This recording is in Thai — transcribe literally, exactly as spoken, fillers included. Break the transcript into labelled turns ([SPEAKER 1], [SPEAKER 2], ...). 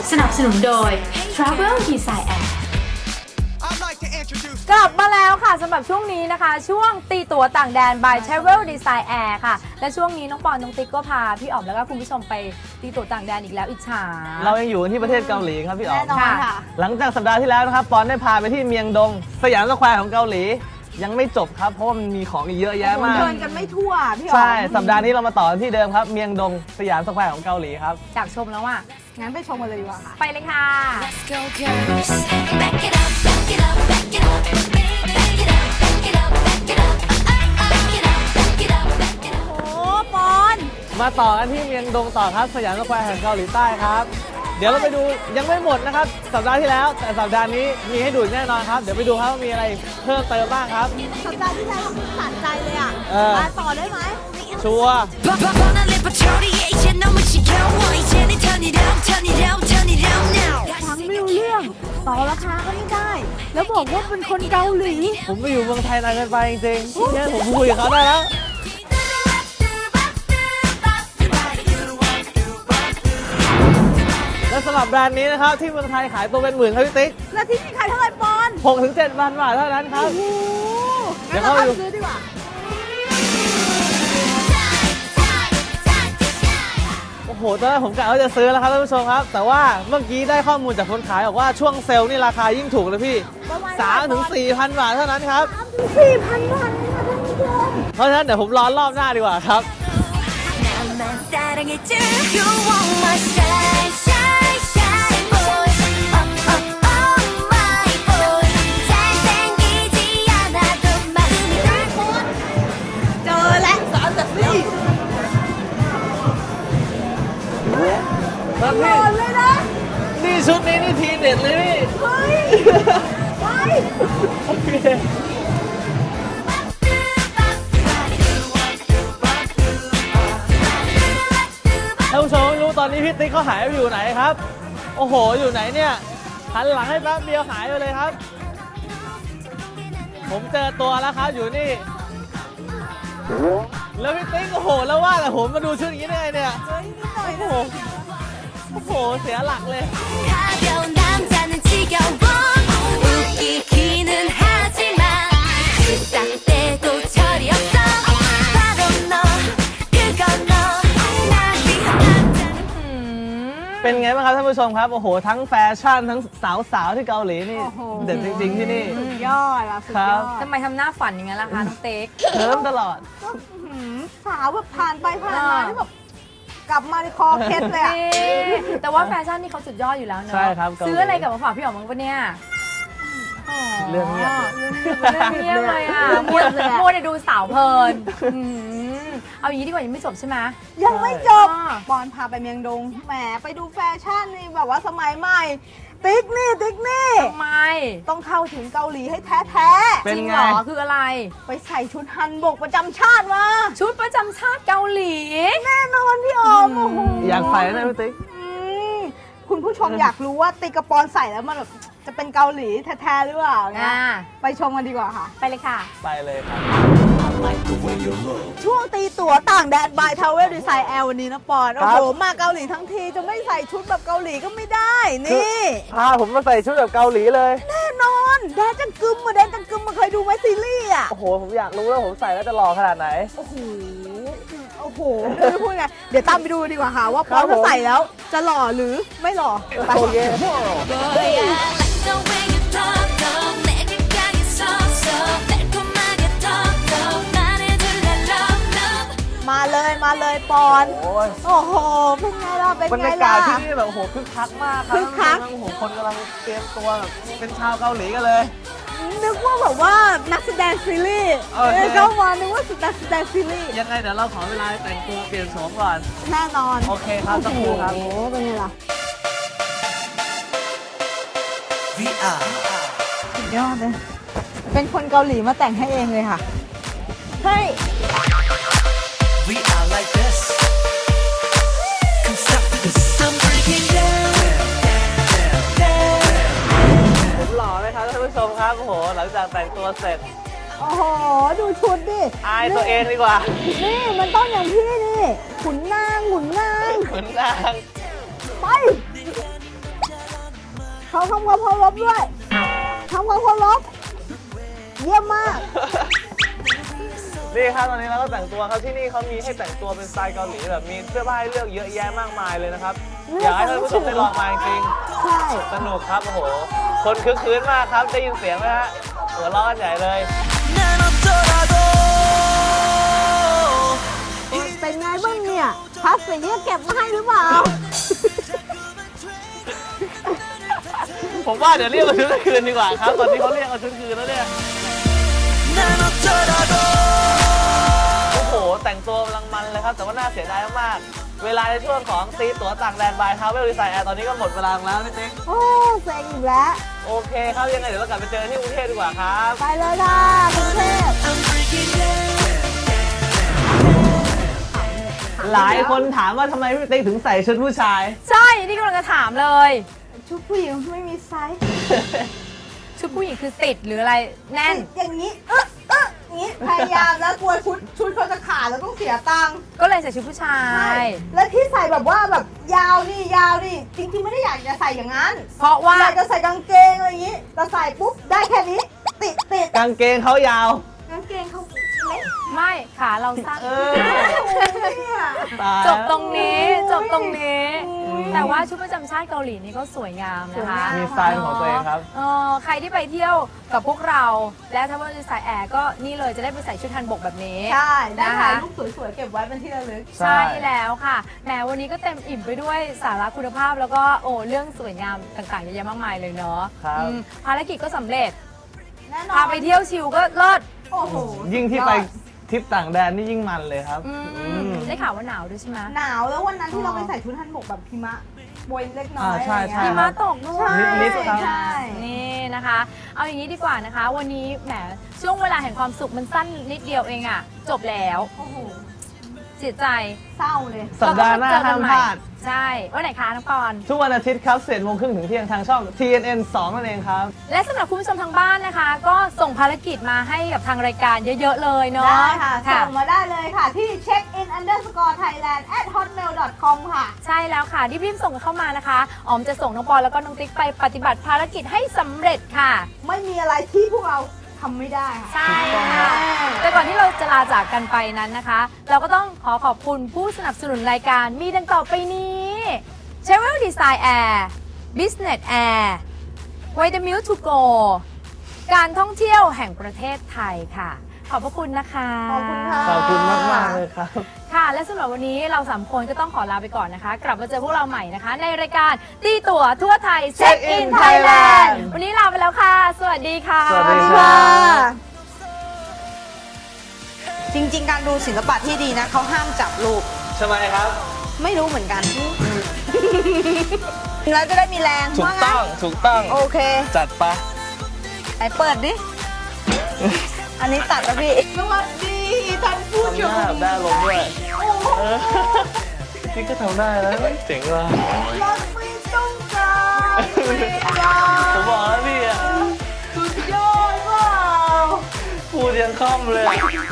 [SPEAKER 1] สนับสนุนโดย Travel Design Air
[SPEAKER 2] กลับมาแล้วค่ะสำหรับช่วงนี้นะคะช่วงตีตั๋วต่างแดน by Travel Design Air ค่ะและช่วงนี้น้องปอนน้องติ๊กก็พาพี่อ๋อมแล้วก็คุณผู้ชมไปตีตั๋วต่างแดนอีกแล้วอิจฉา
[SPEAKER 3] เรายังอยู่ที่ประเทศเกาหลีครับพี่อ๋อม
[SPEAKER 2] แน่นอนค่ะ
[SPEAKER 3] หลังจากสัปดาห์ที่แล้วนะครับปอนได้พาไปที่เมียงดงสยามสแควร์ของเกาหลียังไม่จบครับเพราะว่ามันมีของอีกเยอะแยะมาก
[SPEAKER 2] เดินกันไม่ทั่วพี่อ๋อม
[SPEAKER 3] ใช่สัปดาห์นี้เรามาต่อกันที่เดิมครับเมียงดงสยามสแควร์ของเกาหลีครับ
[SPEAKER 2] อยากชมแล้วอ่ะงั้นไปชมกันเลยดีกว่าค่ะไปเลยค่ะ
[SPEAKER 4] Let's go girls Back it up back it up back it up Back it up back it up back it up Back it up back it up back it up
[SPEAKER 2] โอ้ปอน
[SPEAKER 3] มาต่อกันที่เมียงดงต่อครับสยามสแควร์แห่งเกาหลีใต้ครับเดี๋ยวเราไปดูยังไม่หมดนะครับสัปดาห์ที่แล้วแต่สัปดาห์นี้มีให้ดูแน่นอนครับเดี๋ยวไปดูครับว่ามีอะไรเพิ่มเติมบ้างครับ
[SPEAKER 2] สัปดาห์ที่แล้วเราขาดใจเลยอ่ะ
[SPEAKER 3] เออ
[SPEAKER 2] มาต่อได้ไหม
[SPEAKER 3] ชัวร์
[SPEAKER 4] 뻔한 레퍼토리에 이제 너무 지겨워 이제는 turn it up turn it up turn it up now
[SPEAKER 2] ฟังไม่รู้เรื่องต่อราคาก็ไม่ได้ แล้วบอกว่าเป็นคนเกาหลี
[SPEAKER 3] ผมไปอยู่เมืองไทยนานเกินไปจริงๆเนี่ยผมคุยกับเขาได้แล้วและสำหรับแบรนด์นี้นะครับที่เมืองไทยขายตัวเป็นหมื่นครับพี่ติ๊ก
[SPEAKER 2] แล้วที่นี่ขายเท่าไหร่ปอน
[SPEAKER 3] หกถึงเจ็ดพันบาทเท่านั้นครับ
[SPEAKER 2] โอ้โห
[SPEAKER 3] เดี๋
[SPEAKER 2] งั้
[SPEAKER 3] ย
[SPEAKER 2] น
[SPEAKER 3] ว
[SPEAKER 2] เรา
[SPEAKER 3] เข้าไปดู
[SPEAKER 2] ไปซื้อดีกว่า
[SPEAKER 3] โอ้โหตอนแรกผมกะว่าจะซื้อแล้วครับท่านผู้ชมครับ แต่ว่าเมื่อกี้ได้ข้อมูลจากคนขายบอกว่าช่วงเซลล์นี่ราคายิ่งถูกเลยพี่
[SPEAKER 2] ประมาณ
[SPEAKER 3] สามถึงสี่พันบาทเท่านั้นครับ
[SPEAKER 2] สี่พันบาทเองค่ะท่านผู้ชม
[SPEAKER 3] เพราะฉะนั้นเดี๋ยวผมรอรอบหน้าดีกว่าครับ
[SPEAKER 4] 나만 사랑해줘 You want my shine shine shine boy Oh oh oh my boy 잘생기지 않아도 마음이 다
[SPEAKER 2] เจอแล้วสารแต่นี่
[SPEAKER 3] ครับ
[SPEAKER 2] ห
[SPEAKER 3] พี่
[SPEAKER 2] ล่นเลยนะ
[SPEAKER 3] นี่ชุดนี้นี่ทีเด็ดเลยพี่
[SPEAKER 2] เฮ้ยไป
[SPEAKER 3] โอเคท่านผู้ชมไม่รู้ตอนนี้พี่ติ๊กเขาหายไปอยู่ไหนครับ โอ้โหอยู่ไหนเนี่ยหันหลังให้แป๊บเดียวหายไปเลยครับ ผมเจอตัวแล้วครับอยู่นี่ แล้วพี่ติ๊กโอ้โหแล้วว่าแต่ผมมาดูชุดอย่างนี้ได้ไงเนี่ย
[SPEAKER 2] เฮ้ยนิดหน่อย
[SPEAKER 3] โอ้
[SPEAKER 2] นะ
[SPEAKER 3] โหโอ้โหเสียหลักเลย
[SPEAKER 4] 가벼운 남자는 지겨워 웃기기는 하지만 세상 때도 철이 없어 바로 너 그건 너 날 위한 남자는
[SPEAKER 3] เป็นไงบ้างครับท่านผู้ชมครับโอ้โหทั้งแฟชั่นทั้งสาวๆที่เกาหลีนี่
[SPEAKER 2] โอ้โห
[SPEAKER 3] เด็ดจริงๆที่นี่
[SPEAKER 2] สุดยอดละสุด
[SPEAKER 3] ครั
[SPEAKER 2] ย
[SPEAKER 3] บ
[SPEAKER 2] อดทำไมทำหน้าฝันอย่างนั้นล่ะคะน้องเต็ก
[SPEAKER 3] เคิร์มตลอด
[SPEAKER 2] ก็อื้อหือสาวแบบผ่านไปผ่านมา
[SPEAKER 3] อ่า
[SPEAKER 2] ที่แบบกลับมาในคอเคล็ดเลยอ่ะ แต่ว่าแฟชั่นนี่เขาสุดยอดอยู่แล้วเนอะ
[SPEAKER 3] ใช่ครับ
[SPEAKER 2] ซื้ออะไรกลับมาฝากพี่อ๋อมบ้างปะเนี่ย
[SPEAKER 3] เรื่องเงียบเลย
[SPEAKER 2] เรื่องเงียบเลยอ่ะมัวมัวแต่ดูสาวเพลินอืมเอาอย่างนี้ดีกว่ายังไม่จบใช่ไหมยังไม่จบปอนพาไปเมียงดงแหมไปดูแฟชั่นนี่แบบว่าสมัยใหม่ ติ๊กนี่ติ๊กนี่ทำไมต้องเข้าถึงเกาหลีให้แท้แท้
[SPEAKER 3] เป็น
[SPEAKER 2] จริง
[SPEAKER 3] ไง
[SPEAKER 2] เหรอคืออะไร ไปใส่ชุดฮันบกประจำชาติมาชุดประจำชาติเกาหลี แน่นอนพี่ออมโอ้โห
[SPEAKER 3] อยากใส่นะพี่ติ๊ก
[SPEAKER 2] อืมคุณผู้ชมอยากรู้ว่าติ๊กกระปอนใส่แล้วมันแบบจะเป็นเกาหลีแท้ๆหรือเปล่าเนี่ยไปชมกันดีกว่าค่ะ ไปเลยค่ะ
[SPEAKER 3] ไปเลยครับ
[SPEAKER 2] ช่วงตีตั๋วต่างแดนบายทาวเวลดีไซน์แอลวันนี้นะปอน โอ้โห มาเกาหลีทั้งทีจะไม่ใส่ชุดแบบเกาหลีก็ไม่ได้ นี่
[SPEAKER 3] พาผมมาใส่ชุดแบบเกาหลีเลย
[SPEAKER 2] แน่นอน แดนจังกึมมาแดนจังกึมมาเคยดูไหมซีรีส์อ่ะ
[SPEAKER 3] โอ้โห ผมอยากรู้แล้วผมใส่แล้วจะหล่อขนาดไหน
[SPEAKER 2] โอ้โห โอ้โหไม่รู้จะพูดไง เดี๋ยวตามไปดูดีกว่าค่ะ ว่าปอน
[SPEAKER 3] ครับผม
[SPEAKER 2] จะใส่แล้วจะหล่อหรือไม่หล่อไป
[SPEAKER 3] โอเค
[SPEAKER 4] boy I like the way you talk talk 내게 강했었어 달콤하게 talk talk 말해줄래 love love
[SPEAKER 2] มาเลยมาเลยปอน
[SPEAKER 3] โอ้ย
[SPEAKER 2] โอ้โห เป็นไงล่ะ เป็น
[SPEAKER 3] บรร
[SPEAKER 2] ไง
[SPEAKER 3] ยากา
[SPEAKER 2] ล่ะ
[SPEAKER 3] ศที่นี่แบบโอ้โหคึกคักมากครับ
[SPEAKER 2] คึกคัก
[SPEAKER 3] โอ้โหคนกำลังเตรียมตัวแบบเป็นชาวเกาหลีกันเลย
[SPEAKER 2] นึกว่าแบบว่านักแสดงซีรีส์
[SPEAKER 3] โอเค
[SPEAKER 2] เออเข้ามานึกว่านักแสดงซีรีส์
[SPEAKER 3] ยังไงเดี๋ยวเราขอเวลาแต่งตัวเปลี่ยนโฉมก่อน
[SPEAKER 2] แน่นอน
[SPEAKER 3] โอเคครับสักครู่ครับ
[SPEAKER 2] โอ้โหเป็นไงล่ะ
[SPEAKER 3] วี อาร์
[SPEAKER 2] สุดยอดเลย เป็นคนเกาหลีมาแต่งให้เองเลยค่ะเฮ้ย
[SPEAKER 5] We are like this. Come stop with this. I'm breaking down.
[SPEAKER 3] ผมหล่อไหมครับท่านผู้ชมครับโอ้โหหลังจากแต่งตัวเสร็จ
[SPEAKER 2] โอ้โห ดูชุดดิ
[SPEAKER 3] อายตัวเองดีกว่า
[SPEAKER 2] นี่มันต้องอย่างพี่นี่ขุนนางขุนนาง
[SPEAKER 3] เหมือนนาง
[SPEAKER 2] ไปเขาทำความเคารพด้วยทำความเคารพเยี่ยมมาก
[SPEAKER 3] นี่ครับตอนนี้เราก็แต่งตัวครับที่นี่เขามีให้แต่งตัวเป็นสไตล์เกาหลีแบบมีเสื้อผ้าให้เลือกเยอะแยะมากมายเลยนะครับ อยากให้ท่านผู้ชมได้ลองมาจริง
[SPEAKER 2] ใช่
[SPEAKER 3] ๆสนุกครับโอ้โหคนคึกคืนมากครับได้ยินเสียงไหมฮะหัวเราะกันใหญ่เลย
[SPEAKER 5] 난 어쩌라고
[SPEAKER 2] เป็นไงบ้างเนี่ยพลาสติกเนี่ยเก็บมาให้หรือเปล่า
[SPEAKER 3] ผมว่าเดี๋ยวเรียกเอาชุดคืนดีกว่าครับตอนนี้เขาเรียกเอาชุดคืนแล้วเนี่ย
[SPEAKER 5] 난 어쩌라고
[SPEAKER 3] โอ้โหแต่งตัวกำลังมันเลยครับแต่ว่าน่าเสียดายมากๆเวลาในช่วงของซีตั๋วต่างแดนบายทาวเวลดีไซน์แอร์ตอนนี้ก็หมดเวลาแล้วพี่ติ๊ก
[SPEAKER 2] โอ้เซ็งอีกแล้ว
[SPEAKER 3] โอเคครับยังไงเดี๋ยวเรากลับไปเจอที่กรุงเทพดีกว่าครับ
[SPEAKER 2] ไปเลยค่ะกรุงเทพ
[SPEAKER 5] I'm freaking out
[SPEAKER 3] หลายคนถามว่าทำไมพี่ติ๊กถึงใส่ชุดผู้ชาย
[SPEAKER 2] ใช่นี่กำลังจะถามเลย ชุดผู้หญิงไม่มีไซส์ ชุดผู้หญิงคือติดหรืออะไรแน่น
[SPEAKER 6] อย่างนี้เอ๊ะเอ๊ะอย่างนี้พยายามแล้วกลัวชุดชุดเขาจะขาดแล้วต้องเสียตังค์
[SPEAKER 2] ก็เลยใส่ชุดผู้ชาย
[SPEAKER 6] แล้วที่ใส่แบบว่าแบบยาวนี่ยาวนี่จริงๆไม่ได้อยากจะใส่อย่างนั้น
[SPEAKER 2] เพราะว่า
[SPEAKER 6] อยากจะใส่กางเกงอะไรอย่างนี้แต่ใส่ปุ๊บได้แค่นี้ ติดติด
[SPEAKER 3] กางเกงเขายาว
[SPEAKER 6] กางเกงเขาเล็ก
[SPEAKER 2] ไม่ขาเราสั้น
[SPEAKER 3] เออ
[SPEAKER 6] เนี่ย
[SPEAKER 3] ตาย
[SPEAKER 2] จบตรงนี้จบตรงนี้ แต่ว่าชุดประจำชาติเกาหลีนี่ก็สวยงามนะคะ
[SPEAKER 3] มีสไตล์ของตัวเองครับ
[SPEAKER 2] เออใครที่ไปเที่ยวกับพวกเรา และถ้าว่าจะใส่แอร์ก็นี่เลยจะได้ไปใส่ชุดทันบกแบบนี้
[SPEAKER 6] ใช่ได้
[SPEAKER 2] นะคะ
[SPEAKER 6] ถ่ายรูปสวยๆเก็บไว้เป็นที่ระลึก
[SPEAKER 3] ใช่
[SPEAKER 2] ใช่แล้วค่ะแหมวันนี้ก็เต็มอิ่มไปด้วยสาระคุณภาพแล้วก็โอ้เรื่องสวยงามต่างๆเยอะแยะมากมายเลยเนาะ
[SPEAKER 3] ครับ
[SPEAKER 2] อืมภารกิจก็สำเร็จ
[SPEAKER 6] แน่นอน
[SPEAKER 2] พาไปเที่ยวชิลก็เลิศ
[SPEAKER 6] โอ้โห
[SPEAKER 3] ยิ่งที่ไปทริปต่างแดนนี่ยิ่งมันเลยครับ
[SPEAKER 2] อืม
[SPEAKER 3] อืม
[SPEAKER 2] ได้ข่าวว่าหนาวด้วยใช่ไหม
[SPEAKER 6] หนาวแล้ววันนั้นที่
[SPEAKER 2] อ๋อ
[SPEAKER 6] เราไปใส่ชุดฮันบกแบบพิมะโบยเล็กน้อย
[SPEAKER 3] อ่าใช่
[SPEAKER 6] อะไร
[SPEAKER 3] ใช่
[SPEAKER 6] อย่าง
[SPEAKER 2] หิ
[SPEAKER 6] เงี้ย
[SPEAKER 2] มะตกด้วย
[SPEAKER 3] นิดๆครับ
[SPEAKER 6] ใช่
[SPEAKER 2] นี่นะคะ เอาอย่างนี้ดีกว่านะคะ วันนี้แหมช่วงเวลาแห่งความสุขมันสั้นนิดเดียวเองอะจบแล้ว
[SPEAKER 6] โอ้โห
[SPEAKER 2] เสียใจ
[SPEAKER 6] เศร้าเลย
[SPEAKER 3] สัปดาห์หน้าห้ามพลาด
[SPEAKER 2] ใช่วันไหนคะน้องปอน
[SPEAKER 3] ทุกวันอาทิตย์ครับสิบเอ็ดโมงครึ่งถึงเที่ยงทางช่อง ที เอ็น เอ็น สอง นั่นเองครับ
[SPEAKER 2] และสำหรับคุณผู้ชมทางบ้านนะคะ ก็ส่งภารกิจมาให้กับทางรายการเยอะๆเลยเนาะ
[SPEAKER 6] ได้ค่ะ ส่งมาได้เลยค่ะ ที่ check in underscore thailand at hotmail dot com ค่ะ
[SPEAKER 2] ใช่แล้วค่ะรีบๆส่งกันเข้ามานะคะออมจะส่งน้องปอนแล้วก็น้องติ๊กไปปฏิบัติภารกิจให้สำเร็จค่ะ
[SPEAKER 6] ไม่มีอะไรที่พวกเราทำไม่ได้ค่ะ
[SPEAKER 2] ใช่ค่ะ แต่ก่อนที่เราจะลาจากกันไปนั้นนะคะ เราก็ต้องขอขอบคุณผู้สนับสนุนรายการมีดังต่อไปนี้ Travel Design Air Business Air Vitamilk to go การท่องเที่ยวแห่งประเทศไทยค่ะ ขอบพระคุณนะคะ
[SPEAKER 6] ขอบคุณค่ะ
[SPEAKER 3] ขอบคุณมากมากๆเลยครับ
[SPEAKER 2] ค่ะ และสำหรับวันนี้เราสามคนก็ต้องขอลาไปก่อนนะคะ กลับมาเจอพวกเราใหม่นะคะ ในรายการตีตั๋วทั่วไทย Check
[SPEAKER 3] Check
[SPEAKER 2] in
[SPEAKER 3] in
[SPEAKER 2] Thailand
[SPEAKER 3] Thailand
[SPEAKER 2] วันนี้ลาไปแล้วค่ะ สวัสดีค่ะ
[SPEAKER 3] สวัสดีครับ
[SPEAKER 6] จริงๆ การดูศิลปะที่ดีนะเขาห้ามจับรูป
[SPEAKER 3] ใช่ไหมครับ
[SPEAKER 6] ไม่รู้เหมือนกัน แล้วจะได้มีแรง
[SPEAKER 3] ถูก
[SPEAKER 6] ว่างั้น
[SPEAKER 3] ต้องถูกต้อง
[SPEAKER 6] โอเค
[SPEAKER 3] จัดไป
[SPEAKER 6] ไหนเปิดดิ อันนี้ตัดแล้วพี่ สวัสดีท่านผู้ช
[SPEAKER 3] ทำหน้าม แบบได้ลงด้วยเออนี่ก็ทำได้แล้วเจ๋งว่ะ
[SPEAKER 6] รักไม่ต้องการเวลา
[SPEAKER 3] ผมบอกแล้วพี่อ่ะ
[SPEAKER 6] สุดยอดเปล่า
[SPEAKER 3] พูดยังคล่อมเลย